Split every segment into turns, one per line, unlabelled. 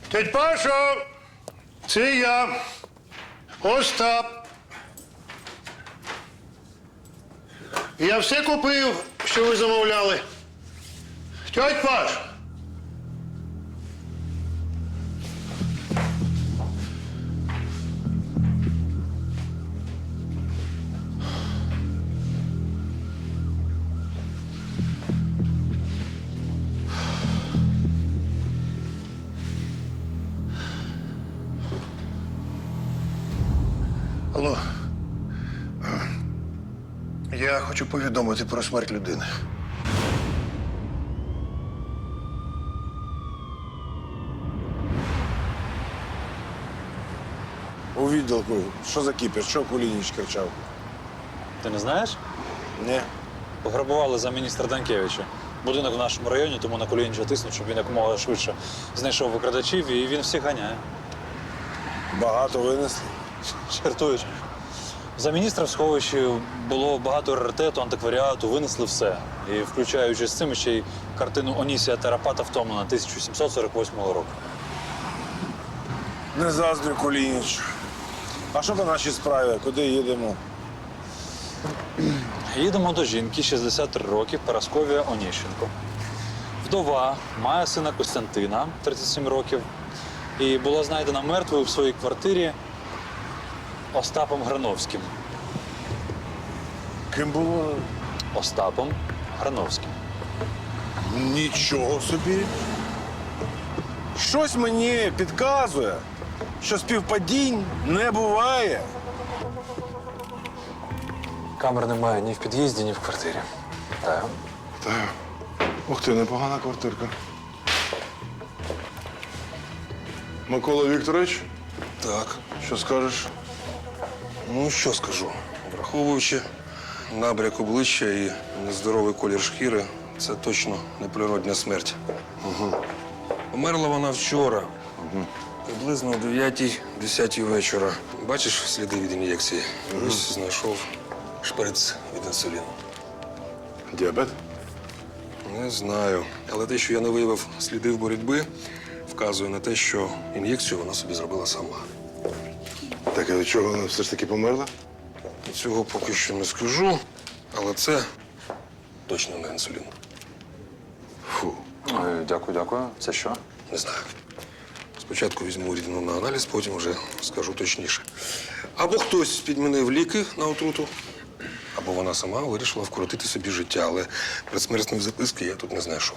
Тетя Пашо, це я, Остап. Я все купив, що ви замовляли. Тетя Паш. Алло. Я хочу повідомити про смерть людини.
У відділку. Що за кіпіш? Що Кулініч кричав?
Ти не знаєш?
Ні.
Пограбували замміністра Данкевича. Будинок в нашому районі, тому на Кулініча тиснуть, щоб він якомога швидше знайшов викрадачів, і він всіх ганяє.
Багато винесли.
Жартуєш. За міністра в сховищі було багато раритету, антикваріату, винесли все. І включаючи з цим ще й картину Онісія Тарапата «Втомлена» 1748 року.
Не заздрю Кулініч. А що по нашій справі? Куди їдемо?
Їдемо до жінки, 63 роки, Парасковія Оніщенко. Вдова, має сина Костянтина, 37 років, і була знайдена мертвою в своїй квартирі Остапом Грановським.
Ким було?
Остапом Грановським.
Нічого собі. Щось мені підказує, що співпадінь не буває.
Камер немає ні в під'їзді, ні в квартирі. Так.
Так. Ух ти, непогана квартирка. Микола Вікторович?
Так,
Що скажеш?
ну що скажу. Враховуючи набряк обличчя і нездоровий колір шкіри, це точно неприродня смерть. Померла вона вчора, приблизно о 9-10 вечора. Бачиш сліди від ін'єкції? Ось знайшов шприц від інсуліну.
Діабет?
Не знаю. Але те, що я не виявив слідів боротьби, вказує на те, що ін'єкцію вона собі зробила сама.
Так, а від чого вона все ж таки померла?
Цього поки що не скажу, але це точно не інсулін.
Фу.
Дякую. Це що?
Не знаю. Спочатку візьму рідину на аналіз, потім вже скажу точніше. Або хтось підмінив ліки на отруту, або вона сама вирішила вкоротити собі життя, але предсмертної записки я тут не знайшов.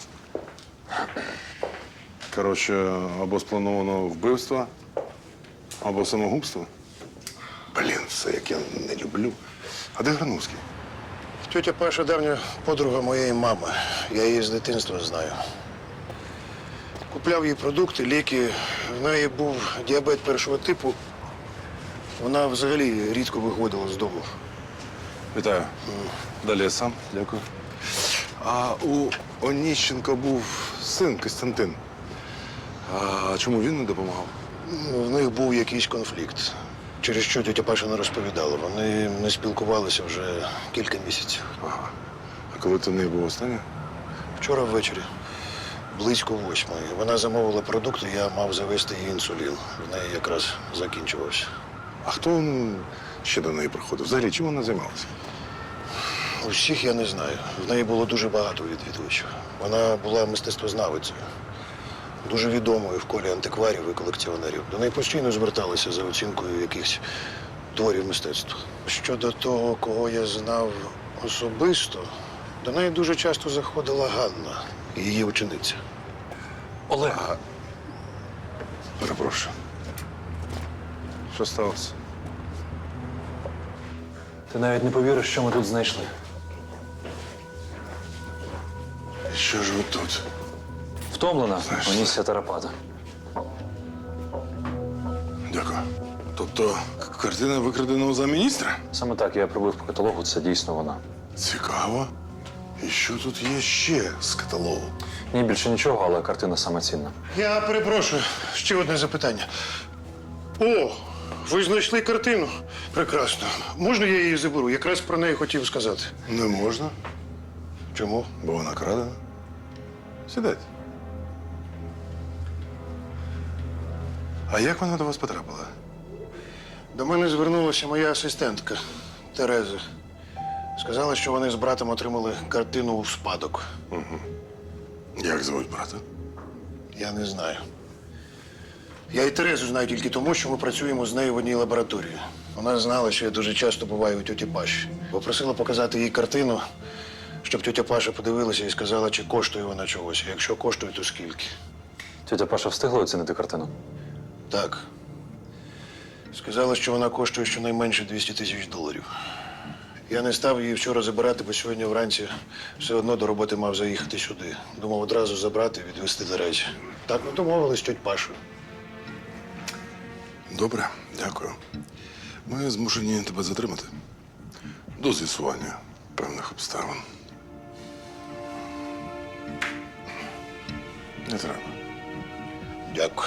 Коротше, або сплановано вбивство, або самогубство. Блін, все, як я не люблю. А де Грановський?
Тетя Паша давня подруга моєї мами. Я її з дитинства знаю. Купляв їй продукти, ліки. В неї був діабет першого типу. Вона взагалі рідко виходила з дому.
Вітаю. Далі я сам. Дякую. А у Оніщенка був син Костянтин. А чому він не допомагав?
В них був якийсь конфлікт, через що тетя Паша не розповідала. Вони не спілкувалися вже кілька місяців.
Ага. А коли ти в неї був останнє?
Вчора ввечері, близько 8:00. Вона замовила продукти, я мав завести їй інсулін. В неї якраз закінчувався.
А хто ще до неї приходив? Взагалі, чим вона займалася?
Усіх я не знаю. В неї було дуже багато відвідувачів. Вона була мистецтвознавицею. Дуже відомою в колі антикварів і колекціонерів. До неї постійно зверталися за оцінкою якихось творів мистецтва. Щодо того, кого я знав особисто, до неї дуже часто заходила Ганна, її учениця.
Олег.
Перепрошую. Що сталося?
Ти навіть не повіриш, що ми тут знайшли.
І що ж ви тут?
Втомлена
Знаєш,
Онісія Тарапата.
Дякую. Тобто картина викраденого за міністра?
Саме так я пробив по каталогу, це дійсно вона.
Цікаво. І що тут є ще з каталогу?
Ні, більше нічого, але картина саме цінна.
Я перепрошую, ще одне запитання. О, ви знайшли картину? Прекрасно. Можна я її заберу? Якраз про неї хотів сказати.
Не можна,
Чому?
бо вона крадена. Сідайте. А як вона до вас потрапила?
До мене звернулася моя асистентка Тереза. Сказала, що вони з братом отримали картину у спадок.
Як звуть брата?
Я не знаю. Я і Терезу знаю тільки тому, що ми працюємо з нею в одній лабораторії. Вона знала, що я дуже часто буваю у тьоті Паші. Попросила показати їй картину, щоб тьотя Паша подивилася і сказала, чи коштує вона чогось. А якщо коштує, то скільки.
Тетя Паша встигла оцінити картину?
Так. Сказала, що вона коштує щонайменше $200 000. Я не став її вчора забирати, бо сьогодні вранці все одно до роботи мав заїхати сюди. Думав одразу забрати і відвезти до речі. Так ми домовились з тьоть Пашою.
Добре, дякую. Ми змушені тебе затримати. До з'ясування певних обставин. Не треба.
Дякую.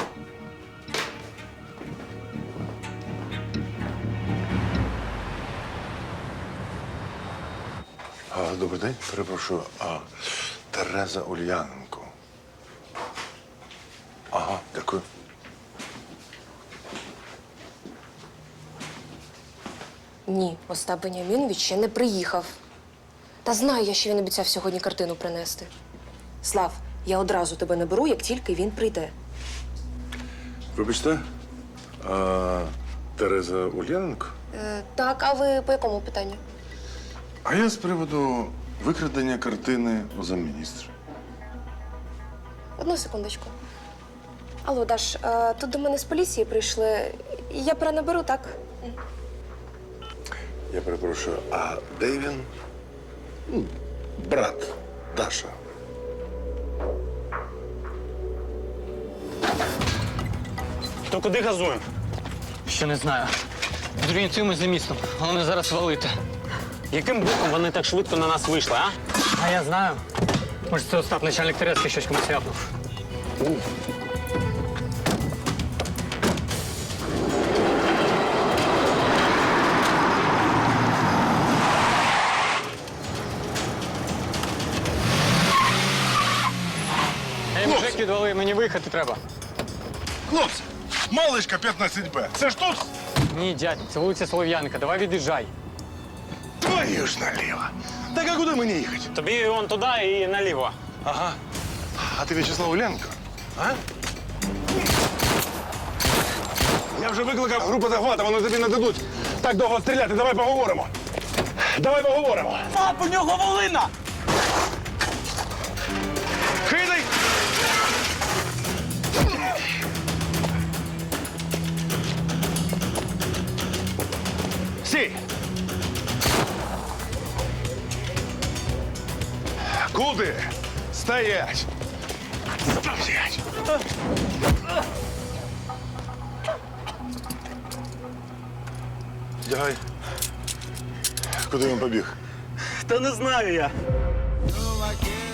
Добрий день, перепрошую. Тереза Ульяненко. Ага, дякую.
Ні, Остап Бенямінович ще не приїхав. Та знаю я, що він обіцяв сьогодні картину принести. Слав, я одразу тебе наберу, як тільки він прийде.
Вибачте, Тереза Ульяненко?
Так, а ви по якому питанню?
А я з приводу викрадення картини у замміністра.
Одну секундочку. Алло, Даш, тут до мене з поліції прийшли. Я перенаберу, так?
Я перепрошую, а де він? Брат Даша.
То куди газуємо?
Ще не знаю. Зорієнтуємось за містом. Головне зараз валити.
Яким боком вони так швидко на нас вийшли, а?
А я знаю. Може, це Остап, начальник Терезки, щось комусь ляпнув. Ей, мужик, відвали, мені виїхати треба.
Хлопці, малишка 15Б. Це ж тут?
Ні, дядь, це вулиця Солов'янка, давай від'їжджай.
Твою ж наліво. Так а куди мені їхати?
Тобі вон туди і наліво.
Ага. А ти В'ячеслав Ульяненко? А? Я вже викликав групу захвату, вони тобі не дадуть так довго стріляти. Давай поговоримо. Давай поговоримо.
Пап, у нього волина!
Кидай! Сій! Куди? Стоять! Стоять! Дягай. Куди він побіг?
Та не знаю я.
No, I can't